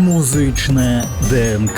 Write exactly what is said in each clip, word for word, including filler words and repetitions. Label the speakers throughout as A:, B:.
A: Музичне ДНК.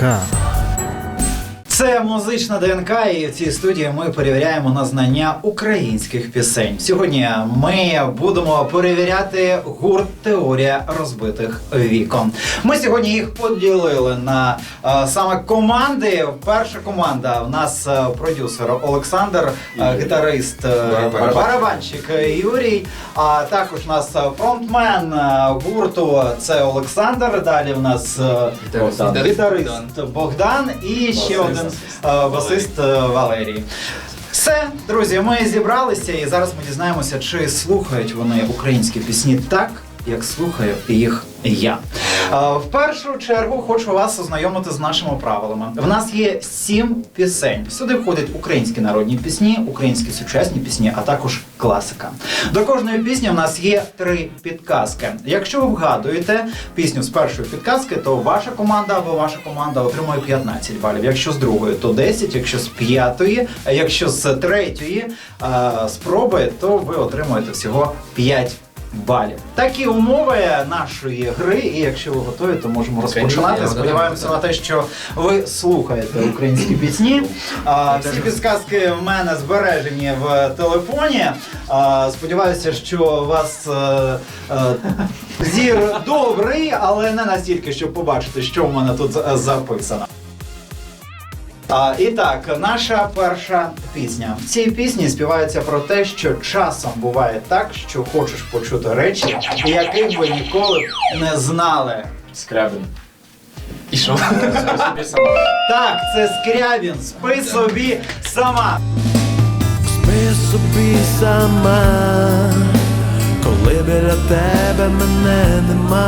B: Це музична ДНК, і в цій студії ми перевіряємо на знання українських пісень. Сьогодні ми будемо перевіряти гурт «Теорія розбитих вікон». Ми сьогодні їх поділили на а, саме команди. Перша команда у нас а, продюсер Олександр, а, гітарист Барабан. барабанщик Юрій, а також у нас фронтмен гурту це Олександр. Далі у нас гітарист, гітарист Богдан і ще один басист Валерій. Все, друзі, ми зібралися і зараз ми дізнаємося, чи слухають вони українські пісні так, як слухаю їх я. В першу чергу хочу вас ознайомити з нашими правилами. В нас є сім пісень. Сюди входять українські народні пісні, українські сучасні пісні, а також класика. До кожної пісні в нас є три підказки. Якщо ви вгадуєте пісню з першої підказки, то ваша команда або ваша команда отримує п'ятнадцять балів. Якщо з другої, то десять, якщо з п'ятої, а якщо з третьої а, спроби, то ви отримуєте всього п'ять балів. Такі умови нашої гри, і якщо ви готові, то можемо розпочинати. Сподіваємося на те, що ви слухаєте українські пісні. А, всі підсказки в мене збережені в телефоні. А, сподіваюся, що у вас а, а, зір добрий, але не настільки, щоб побачити, що в мене тут записано. А, і так, наша перша пісня. В цій пісні співається про те, що часом буває так, що хочеш почути речі, яких ви ніколи не знали.
C: Скрябін.
D: І що?
B: Так, це Скрябін. Спи собі сама.
A: Спи собі сама, коли біля тебе мене нема.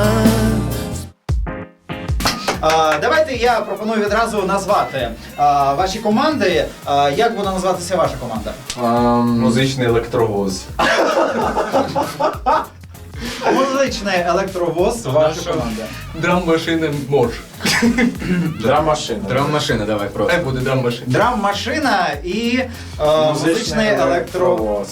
B: А, давайте я пропоную відразу назвати а, ваші команди. А, як буде називатися ваша команда?
C: Um, Музичний електровоз.
B: Музичний електровоз, ваша команда.
D: Драм-машина мож.
C: Драм-машина.
D: Драм-машина, давай просто. Хай буде драм-машина.
B: Драм-машина і а, музичний електровоз.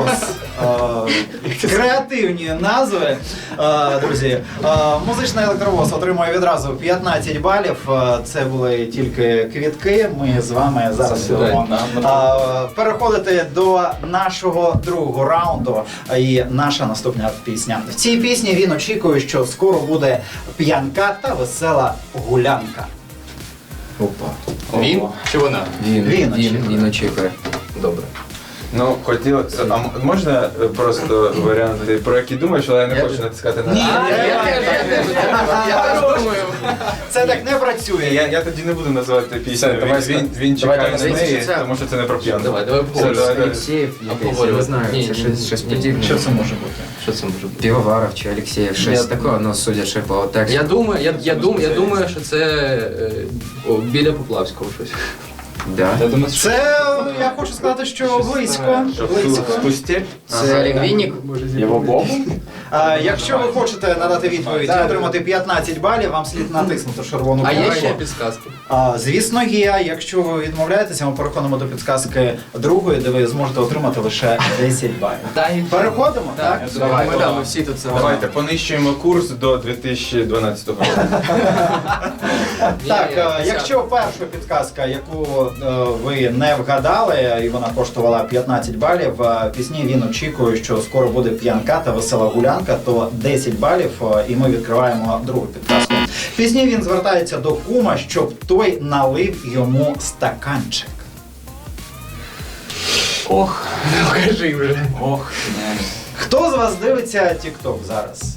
B: А, креативні назви. А, друзі, а, музичний електровоз отримує відразу п'ятнадцять балів. А, це були тільки квітки. Ми з вами зараз будемо переходити до нашого другого раунду. І наша наступна пісня. В цій пісні він очікує, що скоро буде п'янка та весела гулянка.
C: Опа.
D: Він чи вона?
C: Він.
B: Він
C: Він, він очікує. Добре. Ну, хотілося, а можна просто варіанти, про які думаєш, але я не хочу натискати на...
B: Ні,
D: Я теж, я теж думаю.
B: це так не працює.
C: Я, я тоді не буду називати пісню,
E: Все,
C: він,
E: давай,
C: він, він
E: давай,
C: чекає
E: давай,
C: на неї,
E: це-
C: тому що це не про п'янку.
D: Давай, давай
C: Все, давай, давай.
E: Алексеєв, якийсь, я не
D: Обговорювати.
E: знаю,
D: Ні,
E: це
D: ні,
E: щось,
D: ні,
E: щось
D: ні.
E: подібне.
B: Що це може бути?
D: Що це може бути?
E: Півоваров чи Алексеєв, щось
D: Я-
E: такого, ну, судячи по тексту.
D: Я думаю, я, я, думаю, я думаю, що це е, о, біля Поплавського щось.
E: Да.
C: Я думаю, що
B: Це, я хочу сказати, що близько. близько.
C: спустя.
E: Це Олег Вінник?
C: Його Богу?
B: А, якщо ви хочете надати відповідь і отримати п'ятнадцять балів, вам слід натиснути червону
D: А є
B: кнопку.
D: ще підсказки?
B: А, звісно, є. Якщо ви відмовляєтеся, ми переходимо до підсказки другої, де ви зможете отримати лише десять балів.
D: Дай.
B: Переходимо, так?
D: Давай, ми, да, ми всі тут це.
C: Давайте понищуємо курс до дві тисячі дванадцятого року.
B: Так,
D: Ні, ні,
B: е, якщо перша підказка, яку е, ви не вгадали, і вона коштувала п'ятнадцять балів, в пісні він очікує, що скоро буде п'янка та весела гулянка, то десять балів, е, і ми відкриваємо другу підказку. В пісні він звертається до кума, щоб той налив йому стаканчик.
D: Ох, ну кажи вже.
B: Ох, хто з вас дивиться TikTok зараз?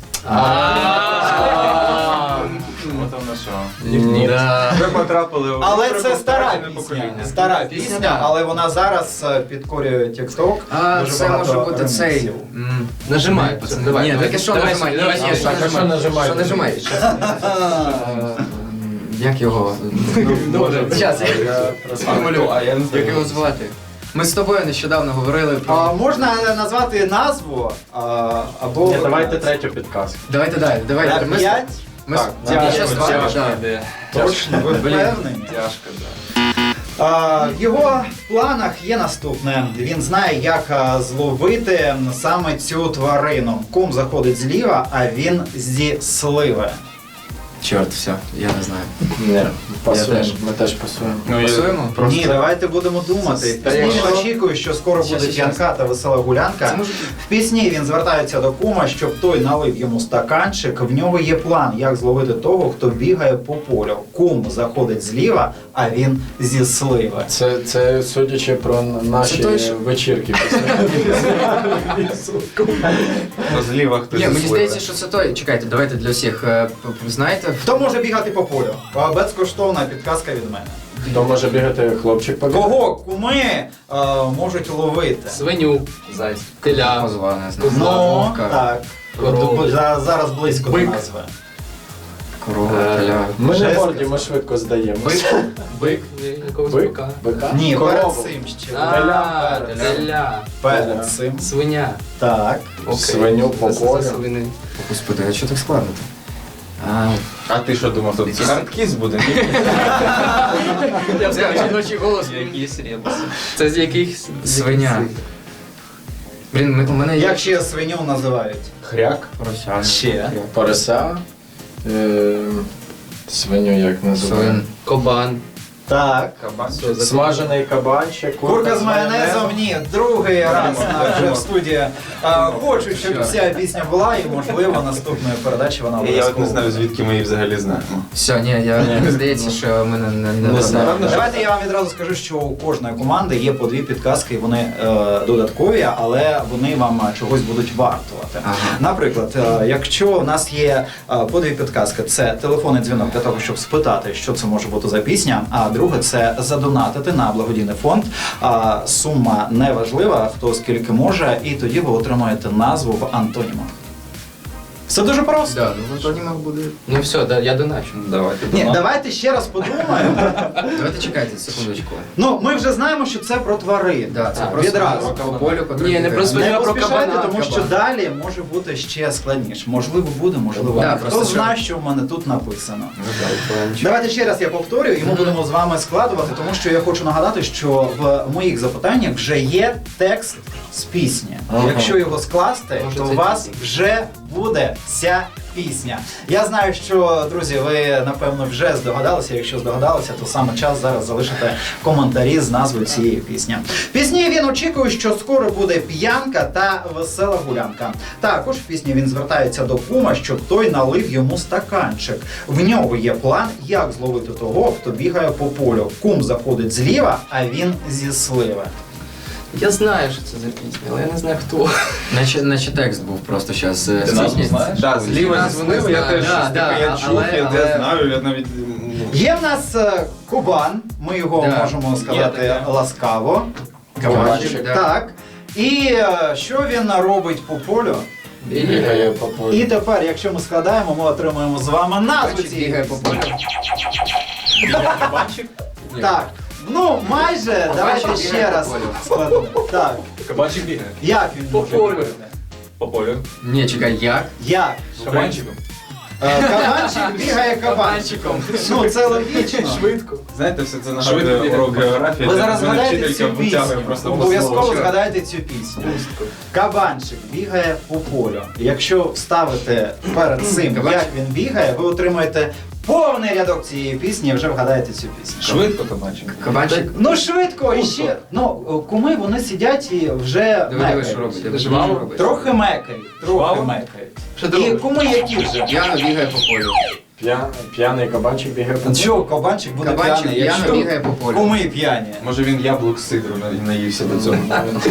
C: Ну там на що?
D: Ні. Да.
C: Ви потрапили в...
B: Але це стара
C: попереднє
B: пісня,
C: покоління.
B: стара
D: Пісня,
B: пісня,
D: да.
B: але вона зараз е, підкорює TikTok.
E: А,
B: Дуже
E: це
B: багато
E: може бути цей.
B: реміксів.
E: м,
D: Нажимай, пацан, давай.
E: Ні,
D: давай.
E: таке що
D: Давай,
E: нажимай?
D: давай,
E: Ні,
D: давай,
E: ні, що
D: нажимай.
E: нажимай? Що нажимай? Е, Як його?
D: Добре.
E: Зараз,
C: Сформулюй, а я не знаю.
E: як його звати? Ми з тобою нещодавно говорили про...
B: А, можна назвати назву а, або
C: Ні, давайте третю підказку.
E: Давайте далі,
B: на
E: давайте. Ми з-
B: п'ять.
E: Ми з-
C: Так,
E: Тільки
C: тяжко,
E: щас два,
C: тяжко
E: да.
C: йде.
B: Точно, ви
E: Блін.
B: впевнені?
C: Тяжко, да.
B: А, в його планах є наступне. Він знає, як а, зловити саме цю тварину. Кум заходить зліва, а він зі сливи.
E: Чорт, все, я не знаю.
F: Ні, пасуємо,
E: теж.
F: ми теж пасуємо.
C: Ну, я-
E: Пасуємо?
B: Ні, давайте будемо думати.
F: Та
B: Пісні
F: якщо-
B: він очікує, що скоро
E: Щас,
B: буде
E: щас.
B: п'янка та весела гулянка.
E: Це може
B: В пісні він звертається до кума, щоб той налив йому стаканчик. В нього є план, як зловити того, хто бігає по полю. Кум заходить зліва, а він зі сливи.
F: Це, це судячи про наші
E: Це той, що-
F: вечірки.
C: Ну, зліва хтось
E: Ні, мені
C: засливе.
E: здається, що це той. Чекайте, давайте для всіх. е, п- п- Знаєте,
B: Хто може бігати по полю? А, Безкоштовна підказка від мене.
F: То може бігати хлопчик побіг?
B: Кого куми е, можуть ловити?
D: Свиню,
E: зайць,
D: теля,
E: позва, не знаю.
B: Ну,
E: Вовка,
B: так.
D: Корову.
B: За- Зараз близько до
D: Бик.
B: назви.
E: корова,
D: Е,
E: теля.
F: Ми не
B: Жесть.
F: горді, ми швидко здаємо.
D: бик, бик, якогось
F: Бик?
D: бика.
F: Бика?
B: Ні,
F: Корову.
B: перед цим ще.
D: А,
B: Перед-
D: теля,
B: Перед цим.
D: свиня.
B: Так.
D: Окей.
F: Свиню по
D: Це- це
F: полю.
D: свини.
E: Господи, а що так складно? А,
C: А ти що думав, тут хардкіс буде? Ні?
D: Я б сказав, жіночий голос.
E: якісь ребуси.
D: Це з яких...
E: Свиня. Блін, ми- у мене є
B: Як ще свиню називають?
C: Хряк?
E: поросяна.
B: Ще.
F: Порося. Е, свиню як називаємо?
E: Свин.
D: Кобан.
B: Так.
C: Кабан?
D: Що за-
F: Смажений кабанчик.
B: Курка з майонезом, ні, другий раз на вже в студії. А, Хочу, щоб
E: Що?
B: ця пісня була, і можливо наступної передачі вона
C: Я от
B: обов'язково.
C: не знаю,
B: буде.
C: звідки ми її взагалі знаємо.
E: Все, ні, я мені здається, що ми не, не, не,
F: Не знаю.
E: вгадали.
B: Давайте я вам відразу скажу, що у кожної команди є по дві підказки, вони е, додаткові, але вони вам е, чогось будуть вартувати.
E: Ага.
B: Наприклад, е, якщо у нас є е, по дві підказки, це телефонний дзвінок для того, щоб спитати, що це може бути за пісня, а друге це задонатити на благодійний фонд. А, сума не важлива, хто скільки може, і тоді ви отримаєте назву в антонімах. Все дуже просто.
E: Да, ну в антонімах буде.
D: Ну все, да, я доначу.
C: Давайте.
B: Ні, давайте ще раз подумаємо.
E: Давайте чекайте секундочку.
B: Ну, ми вже знаємо, що це про тварин.
E: Да, це
D: А,
E: просто
B: відразу.
E: по полю, котрий
D: Ні, не
E: бігає.
D: про свиню.
B: Не
D: Я про
B: поспішайте,
D: кабана,
B: тому що
D: кабан.
B: далі може бути ще складніше. Можливо, буде, можливо,
E: Да,
B: ні.
E: просто
B: Хто
E: що-
B: знає, що в мене тут написано.
E: Ну,
B: Давайте ще раз я повторюю, і ми будемо з вами складувати, тому що я хочу нагадати, що в моїх запитаннях вже є текст з пісні.
F: Ага.
B: Якщо його скласти,
D: Може,
B: то
D: це
B: у вас
D: пісня.
B: вже буде ця пісня. Я знаю, що, друзі, ви напевно вже здогадалися. Якщо здогадалися, то саме час зараз залишити коментарі з назвою цієї пісні. В пісні він очікує, що скоро буде п'янка та весела гулянка. Також в пісні він звертається до кума, щоб той налив йому стаканчик. В нього є план, як зловити того, хто бігає по полю. Кум заходить зліва, а він зі сливи.
D: Я знаю, що це за пісня, але я не знаю хто.
E: Наче, наче текст був просто е, зараз.
C: Ти назву знаєш? Так, зліва зі
D: Назву не
C: сливи, я
D: знаю.
C: теж
D: Да,
C: щось
D: да,
C: таке я чув,
D: але-
C: я
D: але-
C: те знаю, я навіть... ну,
B: Є в нас е, Кубан, ми його
E: Да.
B: можемо сказати
C: таке.
B: ласкаво.
E: Кабанчик, да.
B: Так. І е, що він робить по полю?
F: Бігає по полю.
B: І тепер, якщо ми складаємо, ми отримуємо з вами назву
E: Кабанчик
B: цієї
E: бігає по
B: пісні.
E: полю.
C: Кабанчик?
B: Так. Ну, майже, давайте
E: бігає
B: ще
E: по
B: раз
E: полю.
B: складемо. Так.
C: Кабанчик бігає.
B: Як він
D: По
B: може
D: полю.
B: бігати?
C: По полю.
E: Ні, чекай, як?
B: Як?
C: Кабанчиком.
B: Е, Кабанчик бігає кабанчиком. Ну, це логічно.
D: Швидко.
C: Знаєте, все це
D: Швидко
C: нагадує
D: бігає.
C: урок географії.
B: Ви
C: де
B: зараз
C: мене
B: згадаєте
C: вчителька
B: цю
C: витягує
B: пісню.
C: просто
B: Обов'язково
C: по слову.
B: згадайте цю пісню. Кабанчик бігає по полю. Якщо вставите перед цим,
E: Кабанчик.
B: як він бігає, ви отримаєте повний рядок цієї пісні і вже вгадаєте цю пісню.
C: Швидко кабанчик.
E: Кабанчик.
B: Ну швидко і ще. Ну, куми вони сидять і вже
E: Диви, диви, що
B: мекають.
E: робить. диви,
D: Жваво?
E: що робить.
B: Трохи мекають, трохи
C: Жваво?
B: мекають.
D: Що
B: І
D: робить?
B: куми які вже?
E: П'яно бігає по полю.
F: П'я- П'яний кабанчик бігає по полю.
B: Чого кабанчик буде
E: Кабанчик
B: п'яний,
E: п'яно
B: якщо
E: бігає по полю.
B: куми п'яні?
C: Може він яблук з сидру на- наївся до цього.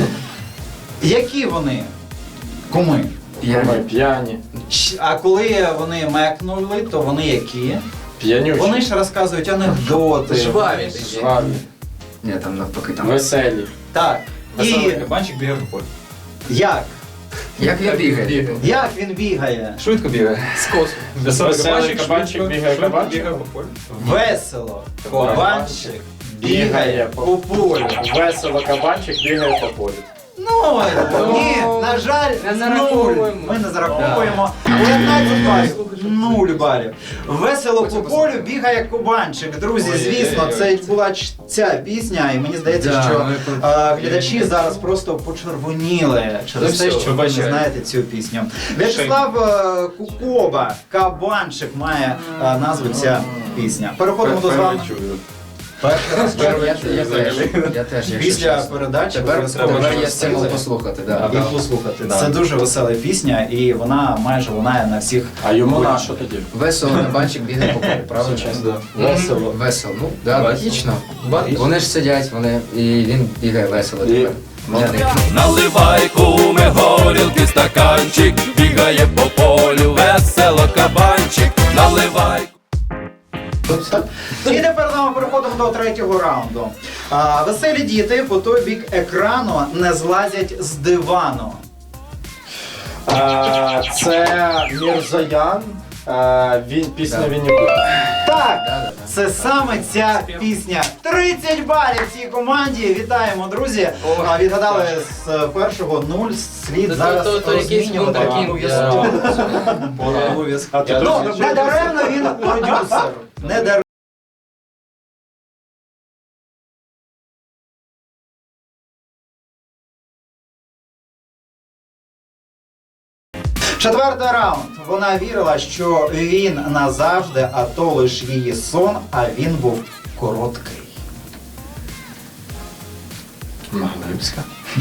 B: Які вони? Куми.
F: Ми
E: П'яні.
F: п'яні.
B: Щ- А коли вони мекнули, то вони які?
F: П'янючі.
B: Вони ж розказують анекдоти.
D: Жваві.
F: Жваві.
E: Ні, там навпаки там.
F: Веселі.
B: Так. І
C: Кабанчик бігає по полю.
B: як?
E: Як він бігає?
B: Як він бігає?
C: Швидко бігає.
D: З косу.
F: Веселий кабанчик бігає кабанчик.
C: по полю.
B: Весело. Кабанчик бігає
F: Бігає
B: по полю.
F: Весело кабанчик бігає по полю.
B: Ну, ні, на жаль,
D: Не
B: нуль.
D: зараховуємо.
B: Ми не зараховуємо. дев'ятнадцять балів, нуль балів. Весело по полю бігає кубанчик. Друзі, звісно, це була ч- ця пісня, і мені здається,
D: Да,
B: що
D: ми про-
B: а, глядачі зараз просто почервоніли через
D: Ну
B: те,
D: все,
B: що ви не
F: вибачаю.
B: знаєте цю пісню. В'ячеслав е, Кукоба, Кабанчик має е, назву ця пісня. Переходимо до з вами. Перший раз
E: Я,
B: чую.
E: я, я теж, я теж, якщо
B: Після
E: чесно.
B: передачі
E: Тепер,
B: обов'язково
E: тепер
B: вже
E: є стимул
B: встигли
E: послухати, да.
B: і послухати.
E: Да.
B: Це дуже весела пісня, і вона майже лунає на всіх.
F: А йому на що тоді?
E: Весело кабанчик бігає по полю, правильно?
F: Весело.
E: Весело, ну, да,
F: Весело.
E: логічно. Вони ж сидять, вони, і він бігає весело
F: І-
E: тепер. Для них.
G: Наливай куми горілки, стаканчик, бігає по полю, весело кабанчик, наливай.
B: І тепер ми переходимо до третього раунду. А, веселі діти по той бік екрану не злазять з дивану.
F: А, Це Мірзоян. А, Він пісня
E: Да.
F: Вінні Пуха.
B: Так,
E: Да-да-да.
B: це саме ця пісня. тридцять балів цій команді. Вітаємо, друзі. А, відгадали з першого нуль. Слід
D: То-
B: зараз
D: то- то якийсь
B: розмінювати.
D: вундеркінд.
B: Обов'язково.
F: А
B: Обов'язково.
F: ти
B: Ну,
F: дуже-
B: не даремно він продюсер. Не даремно. Четвертий раунд. Вона вірила, що він назавжди, а то лиш її сон, а він був короткий.
F: Маглибська.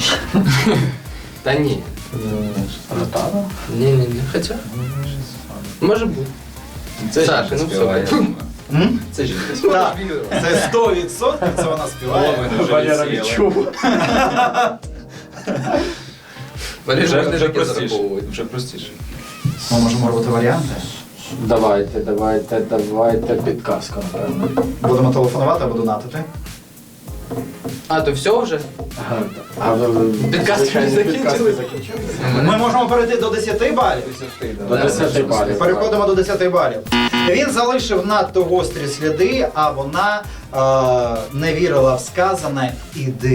D: Та ні.
F: Ротана?
D: Ні, ні, ні. Хоча. Може бути. Саша, ну все.
B: М?
D: Це жінка.
B: Так, це сто відсотків це вона співає.
F: Валера відчув.
D: Валерій
C: Вже-
D: можна
C: вже
D: таке
C: простіше.
D: зараховувати.
C: Вже простіше.
B: Ми можемо робити варіанти.
F: Давайте, давайте, давайте підказка. напевно.
B: Будемо телефонувати або донатити.
D: А, то все вже?
F: А ви-
D: Підказки
F: звичайно,
D: не
F: підказки
D: закінчились?
F: закінчились?
B: Ми можемо перейти до десяти балів.
F: До десяти балів.
B: Переходимо до десяти балів. Він залишив надто гострі сліди, а вона е, не вірила в сказане «іди».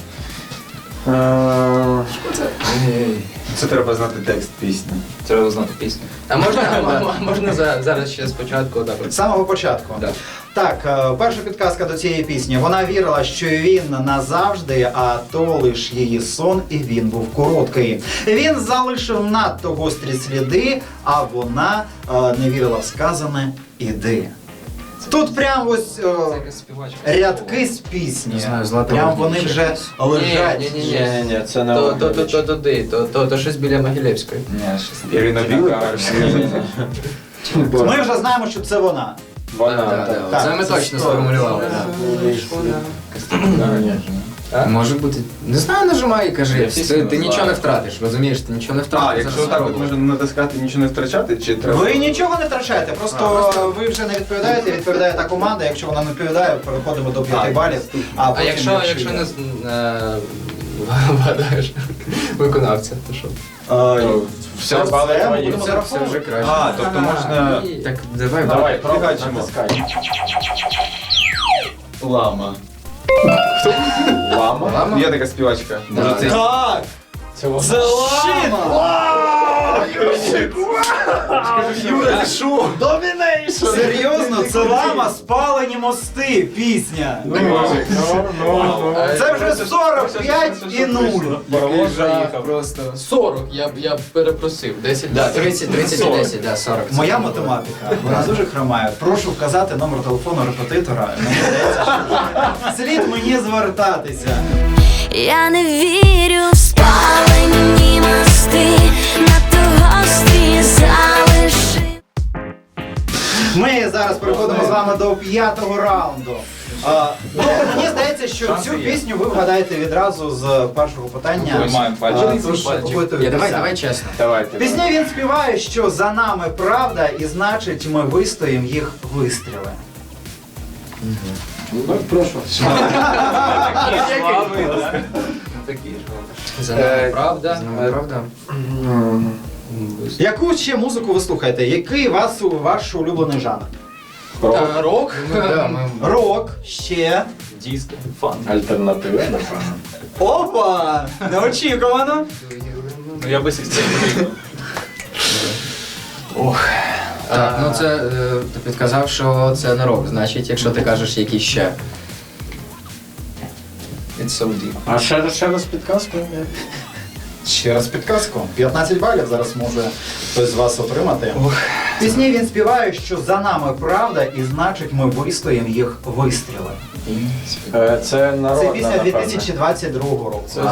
F: Е,
C: Це треба знати текст пісні.
E: Треба знати пісню.
D: А можна, а м- м- можна за- зараз ще спочатку так от.
B: З самого початку.
D: Да.
B: Так, е, перша підказка до цієї пісні. Вона вірила, що він назавжди, а то лиш її сон, і він був короткий. Він залишив надто гострі сліди, а вона е, не вірила в сказане «іди». Тут прям ось е,
D: Це якась співачка.
B: рядки з пісні.
E: Не знаю, Злата
B: Прям
E: Огнєвич
B: вони вже
E: якась.
B: лежать.
D: Ні, ні, ні,
F: Ні,
D: ні.
F: ні, це не
D: То, то, то,
F: Огнєвич.
D: то, туди, то, то, то щось біля Могилєвської.
C: Ірина Білик.
B: Ми вже знаємо, що це вона.
F: Вона,
E: Да,
F: так.
E: да, Це ми
B: це
E: точно
B: сто.
E: сформулювали. да. Може бути. Не знаю, нажимай і кажи. Ти, ти нічого не втратиш, розумієш? Ти нічого не втратиш.
C: А, якщо
E: зараз
C: так от
E: спробуй.
C: можна натискати, нічого не втрачати, чи треба?
B: Ви нічого не втрачаєте, просто ви вже не відповідаєте, відповідає та команда. Якщо вона не відповідає, переходимо до п'яти
C: А,
B: балів. А,
D: А
B: потім
D: якщо, якщо не з- е, вгадаєш виконавця, то що?
B: Е,
F: Все
B: це
F: бали
B: ми
F: твої.
B: будемо
E: Це, це
B: зараховувати.
E: вже краще.
C: А, тобто можна...
E: Так, давай,
F: Давай, пробуй,
C: Фігачимо.
F: натискай.
C: Лама.
F: Лама?
E: Лама?
C: Є така співачка.
E: Да.
C: Може, це...
B: Так!
F: Це вона.
B: Це лама!
C: Юра, що?
B: Серйозно, це лама спалені мости, пісня.
F: Ну, ну, ну.
B: Це вже сорок п'ять і нуль.
F: Паровоз заїхав.
E: Просто.
D: сорок, я б я б перепросив. десять.
E: Да, тридцять, тридцять і десять, да, сорок. Це
B: Моя
E: було.
B: математика, вона дуже хромає. Прошу вказати номер телефону репетитора. Мені здається, що слід мені звертатися.
H: Я не вірю в спалені мости, надто гострі залиши.
B: Ми зараз переходимо з вами до п'ятого раунду. А, ну, мені здається, що цю пісню ви вгадаєте відразу з першого питання.
C: Маємо
B: А,
C: пальчик.
B: тож
E: Я,
B: готуйтеся.
E: давай, давай чесно.
F: Давайте.
B: В пісні він співає, що за нами правда, і значить ми вистоїмо їх вистріли.
F: Ну, прошу.
D: Такі ж.
E: За
F: Е,
E: нами
D: Правда?
E: З нами правда?
B: Яку ще музику ви слухаєте? Який вас, ваш улюблений жанр?
E: Та,
B: Рок?
E: ми- да, ми-
B: Рок, ще.
F: Диско, фан. Альтернатива, напевно.
B: Опа! Неочікувано.
F: Ну я би сістів.
E: Так, ну це е, ти підказав, що це не рок. Значить, якщо ти кажеш які ще.
D: It's so deep.
F: А ще, раз- ще раз підказку?
B: Ще раз підказку. п'ятнадцять балів зараз може хтось з вас отримати. В пісні він співає, що за нами правда, і значить ми вистоїмо їх вистріли.
F: Е, Це народна,
B: Це пісня
F: напевно.
B: дві тисячі двадцять другого року.
C: Це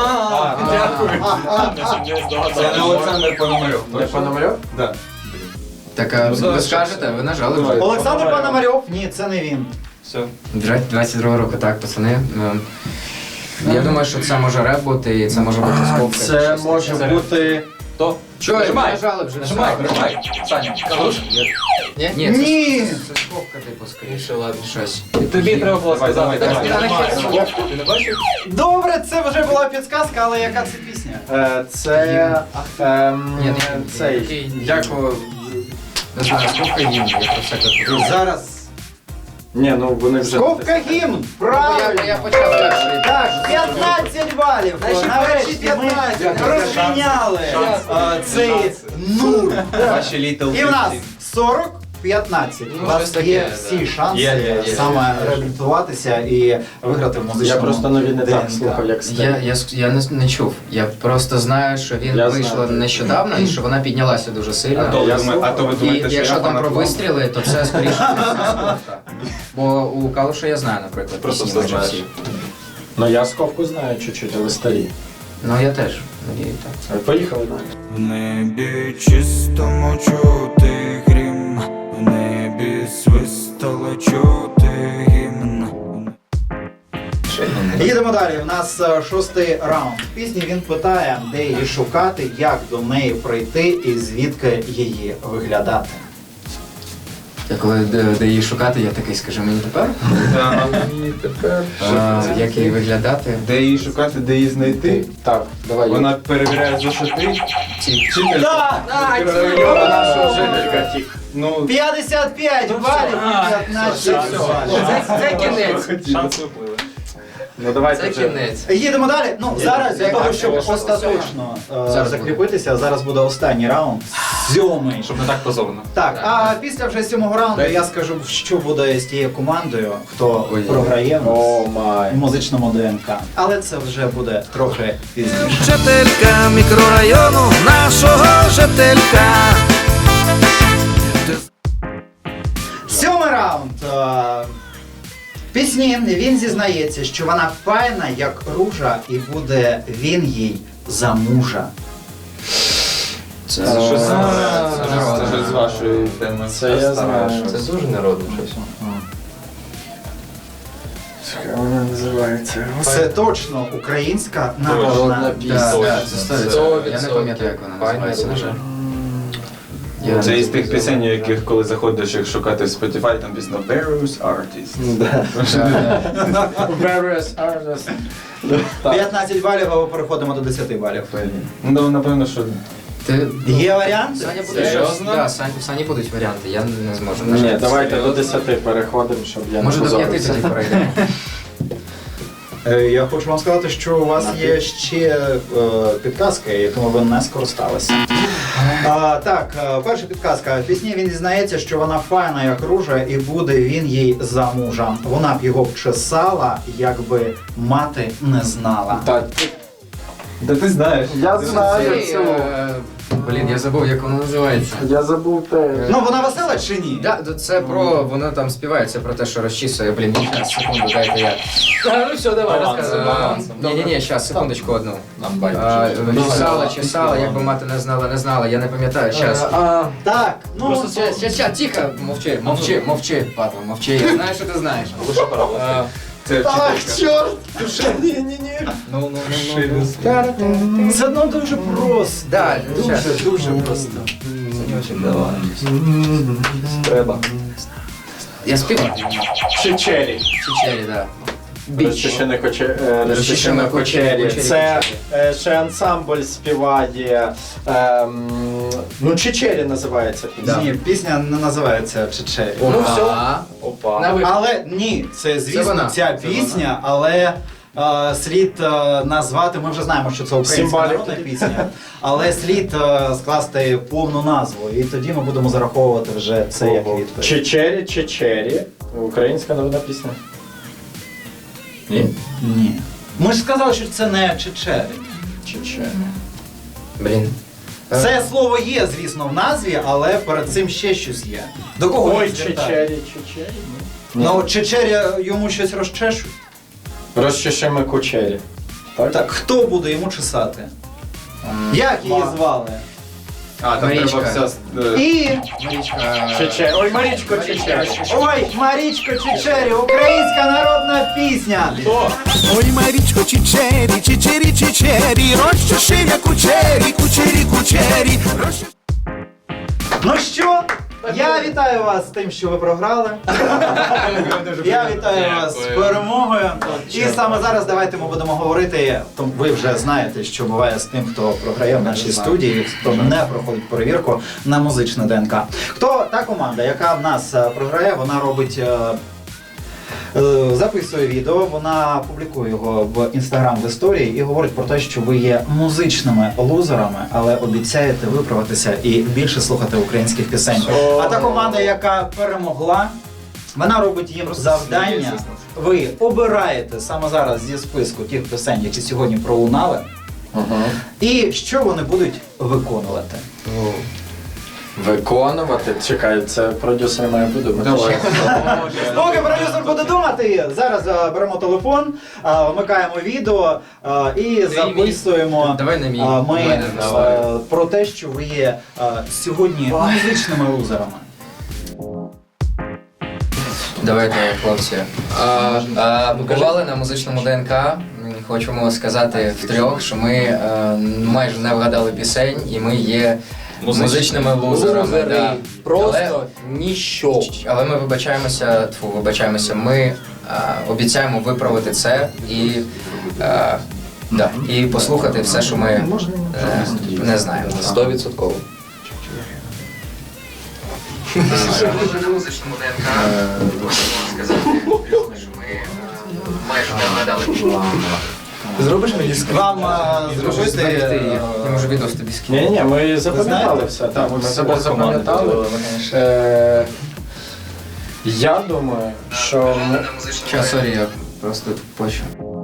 C: не Олександр Пономарьов.
F: Не Пономарьов?
C: Да.
E: Так, а ви скажете, ви нажали вже.
B: Олександр Пономарьов? Ні, це не він.
C: Все.
E: двадцять другого року, так, пацани. Ем, Я думаю, що це може реп бути, і це може бути скобка.
F: Це
E: щось
F: може
E: таке.
F: бути...
C: То?
E: Чого,
C: Нажимай.
E: нажали вже.
C: Нажимай, нажимай. Саня, хорош?
E: Ні, ні, це,
B: Ні!
E: це скобка, типу, скоріше,
D: Ще ладно.
E: щось.
C: Тобі треба було сказати.
E: давай, давай.
C: Ти не бачив?
B: Добре, це вже була підсказка, але яка це пісня?
F: Е, Це... ем,
E: Ні, ні,
F: Цей...
E: Як о, не знаю, скобка гімн, я про всяке таке.
B: Зараз.
F: Ні, ну вони вже...
B: Скобка гімн!
E: Я,
B: Правильно!
E: я почав перший.
B: Так, п'ятнадцять балів! Нарешті ми розміняли е, цей нуль.
C: Ваші Little
B: І в нас
C: Big
B: сорок п'ятнадцять. У
D: Ну,
B: вас
D: щось
B: є
D: таке,
B: всі
D: да.
B: шанси
C: Є, є, є.
B: саме реабілітуватися і виграти в
F: Я
B: музичному
F: просто нові не так
B: ДНК.
F: слухав, як
E: Я,
F: старі.
E: я, я не, не чув. Я просто знаю, що він
F: Я
E: вийшла
F: знаю.
E: нещодавно і що вона піднялася дуже сильно.
C: А то ви
F: Я
C: думаєте- а то ви
E: І
C: думаєте, що
E: якщо
C: я
E: там про
C: фанат
E: вистріли, то це скоріше скобка. Бо у Калуша я знаю, наприклад,
C: Просто
E: пісні
C: все
E: майже
C: знаєш.
E: всі.
F: Ну я скобку знаю чуть-чуть, але старі.
E: Ну я теж. Надію, так.
F: Е, Поїхали далі.
A: В небі чистому чути грім, в небі свистало чути гімн.
B: Їдемо далі. У нас е, шостий раунд. В пісні він питає, де її шукати, як до неї прийти і звідки її виглядати.
E: Я коли де, де її шукати, я такий, скажи мені тепер,
C: І тепер.
E: а, як її виглядати.
C: Де її шукати, де її знайти?
F: Так, давай.
C: Вона перевіряє зошити. Вчителька.
B: Так!
F: Вона ж жителька тік.
C: Ну,
B: п'ятдесят п'ять балів, п'ятнадцять балів.
E: Це, це кінець.
C: шанси впливи.
F: Ну давайте
D: Це
F: вже.
D: кінець.
B: Їдемо далі. Ну зараз для
E: Як
B: того,
E: так,
B: щоб
E: що
B: остаточно е,
E: Зараз
B: закріпитися, зараз буде останній раунд. Сьомий.
C: Щоб не так позорно.
B: Так, а після вже сьомого раунду я скажу, що буде з тією командою, хто
E: Ой.
B: програє в
F: О
B: нас
F: май.
B: в музичному ДНК. Але це вже буде трохи пізніше.
A: Жителька мікрорайону нашого жителька.
B: Сьомий раунд. Е, В пісні він зізнається, що вона файна, як ружа, і буде він їй за мужа.
E: Це
C: Це щось
E: це
C: це
E: народне.
C: щось з вашої теми.
F: Це я знаю.
D: Це дуже народне щось.
F: Як вона називається?
B: Це точно українська народна
D: Народна
B: пісня.
E: Да, да, це сто відсотків. Я не
D: Сто
E: пам'ятаю, як вона називається, на жаль. Я
C: Це
E: не
C: із тих
E: знаю.
C: пісень, яких коли заходиш їх шукати в Spotify, там пісня Various Artists.
F: Various artists.
B: п'ятнадцять балів, а ми переходимо до десяти балів.
C: Ну, напевно, що
E: Ти...
B: Є варіант?
E: Саня буде
C: Серйозно?
E: Да, Сань, у Сані будуть варіанти, я не зможу. на
F: Ні,
E: жаль.
F: давайте до десяти переходимо, щоб я не
E: Може до п'яти
F: позорився.
E: тоді перейдемо.
B: Е, Я хочу вам сказати, що у вас є ще е, підказки, якими ви не скористалися. А, так, е, перша підказка. В пісні він дізнається, що вона файна, як ружа, і буде він їй за мужа. Вона б його вчесала, якби мати не знала.
F: Так,
C: Да ти знаєш.
F: я
C: Ти
F: знаю
E: Цей,
F: цю.
E: е, Блін, я забув, як воно називається.
F: Я забув те.
B: Ну, вона весела чи ні?
E: Да, то це про, воно там співає, це про те, що розчісує, блін, ні, щас, секунду, дайте я.
D: Ну все, давай, розказуй.
E: Ні, ні, ні, щас, секундочку одну.
C: Нам
E: А,
C: байдуже.
E: Чесала, чесала, якби мати не знала, не знала, я не пам'ятаю, щас.
F: А,
B: Так, ну,
E: Просто щас, щас, щас, тихо, мовчи, мовчи, мовчи, Павло, мовчи, я знаю, що ти знаєш.
C: Лише паровоз. Це
B: ах,
C: вчителька.
B: чорт! Ні-ні-ні.
E: Ну, ну, ну, ну.
B: Це ну дуже просто.
E: Да, щас.
B: Дуже, дуже просто.
C: Треба.
E: Я співав.
F: Чечері.
E: Чечері, да.
F: Розчищене коче- е, розчищене кочері. Це е, ще ансамбль співає. ем, Ну, Чечері називається пісня.
B: Ні, пісня не називається Чечері.
F: Ну все.
E: А,
F: Опа.
E: на вихід.
B: Але ні, це звісно
E: вона.
B: ця
E: Це
B: пісня, але е, слід е, назвати, ми вже знаємо, що це українська
F: Символіки.
B: народна пісня, але слід е, скласти повну назву, і тоді ми будемо зараховувати вже це як відповідь.
F: Чечері, Чечері. Українська народна пісня.
E: Ні?
B: Ні. Ми ж сказали, що це не Чечері.
F: Чечері.
E: Блін.
B: Це слово є, звісно, в назві, але перед цим ще щось є. До кого
F: Ой,
B: він звертає?
F: Чечері, Чечері.
B: Ну, Чечері йому щось розчешуть.
F: Розчищене кочері. Так?
B: Так, хто буде йому чесати? Як її
F: Ма.
B: звали?
C: А, там
E: Марічка.
C: треба все... е,
B: І...
F: Чечері. Ой, Марічко, Чечері.
B: Ой, Марічко Чечері, українська народна пісня.
I: Ой, Марічко, чечері, чечері, чечері, розчеши кучері, кучері, кучері, розчеши.
B: Ну що, я вітаю вас з тим, що ви програли. Я вітаю вас з перемогою. І саме зараз давайте ми будемо говорити. Тому ви вже знаєте, що буває з тим, хто програє в нашій студії, хто не проходить перевірку на музичне ДНК. Хто та команда, яка в нас е, програє, вона робить. е, е, Записує відео, вона публікує його в інстаграм в історії і говорить про те, що ви є музичними лузерами, але обіцяєте виправитися і більше слухати українських пісень. А та команда, яка перемогла, вона робить їм завдання. Ви обираєте саме зараз зі списку тих пісень, які сьогодні пролунали, і що вони будуть виконувати.
F: Виконувати. Чекай, це продюсер має подумати.
E: Давай.
B: Поки продюсер буде думати, зараз е, беремо телефон, е, вмикаємо відео е, і записуємо
E: Давай на мій.
B: е, ми
E: Давай,
B: е,
E: давай.
B: про те, що ви є е, сьогодні музичними лузерами.
E: Давайте, хлопці. А, а, бували на музичному ДНК. М, Хочемо сказати втрьох, що ми е, майже не вгадали пісень, і ми є музичними лузерами. Да.
F: Просто ніщо.
E: Але, але ми вибачаємося, тьфу, вибачаємося, ми е, обіцяємо виправити це і, е, да, і послухати все, що ми е, не знаємо.
D: Стовідсотково.
E: На музичному ДНК хочемо сказати, що ми майже не вгадали.
B: Зробиш мені вам е, зробити.
E: Я можу відео тобі скинути.
F: Ні, ні, ми запам'ятали
B: знаєте?
F: все. Так, ми себе запам'ятали. Е, Я думаю, що ми...
E: Час, сорі, я просто почу.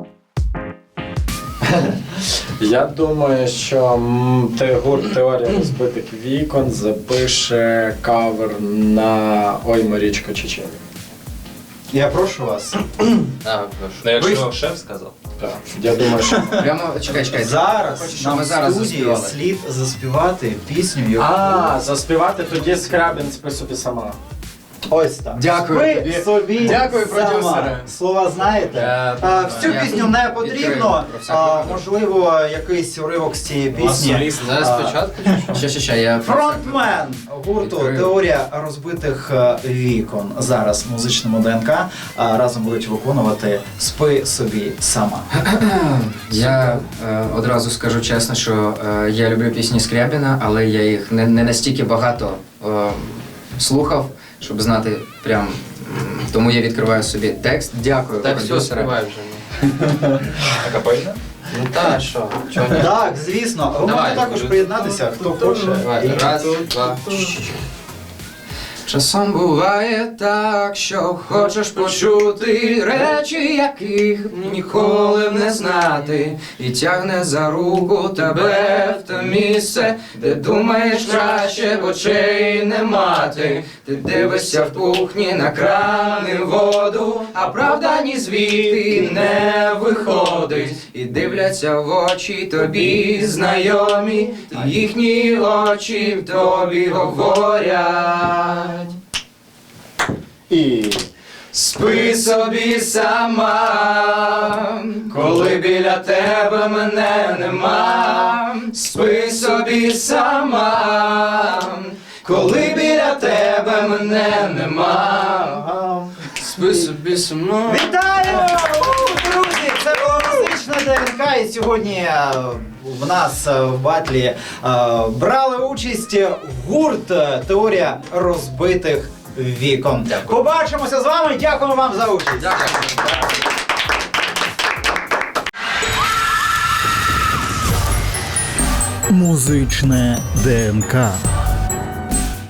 F: Я думаю, що м, те- гурт Теорія розбитих вікон запише кавер на Ой, Марічко, Чечері.
B: Я прошу вас.
D: А, прошу.
B: Ви ж-
J: шеф сказав.
F: Так. Я думаю, що...
E: Прямо, чекай, чекай.
B: Зараз
E: Хочу, щоб
B: нам
E: ми
B: в
E: зараз
B: студії
E: заспівали.
B: слід заспівати пісню, яку...
F: А, заспівати тоді Скрябін «Спи собі сама».
B: Ось так.
E: Дякую
B: Ви
E: тобі.
B: собі
E: Дякую,
B: сама.
E: продюсери.
B: Слова знаєте?
E: Я-
B: А, всю
E: я
B: пісню не
E: відкрию
B: потрібно.
E: про всяк
B: А,
E: випадок.
B: можливо, якийсь уривок з цієї пісні.
D: Зараз
B: А,
D: спочатку.
E: Ще, ще, ще, я...
B: Фронтмен гурту
E: Відкрию.
B: Теорія розбитих е, вікон. Зараз в музичному ДНК а, разом будуть виконувати «Спи собі сама».
E: Я е, одразу скажу чесно, що е, я люблю пісні Скрябіна, але я їх не, не настільки багато е, слухав, щоб знати прям. м, Тому я відкриваю собі текст. Дякую,
D: Так, все,
E: продюсера.
D: співай вже.
C: Акапельна?
D: Ну та, що? Чого ні?
B: Так, звісно. Ви
D: Давай.
B: можете також приєднатися, хто хоче.
D: Давай,
B: І-
D: раз, два.
E: Часом буває так, що хочеш почути речі, яких ніколи б не знати, і тягне за руку тебе в те місце, де думаєш краще б очей не мати. Ти дивишся в кухні на крани воду, а правда ні звідти не виходить. І дивляться в очі тобі знайомі, і їхні очі в тобі говорять.
F: І...
E: Спи собі сама, коли біля тебе мене нема. Спи собі сама, коли біля тебе мене нема.
D: Спи собі сама.
B: Вітаю! ДНК. І сьогодні е, в нас е, в батлі е, брали участь гурт е, Теорія розбитих вікон.
E: Дякую.
B: Побачимося з вами. Дякуємо вам за участь.
E: Дякую.
I: Музичне ДНК.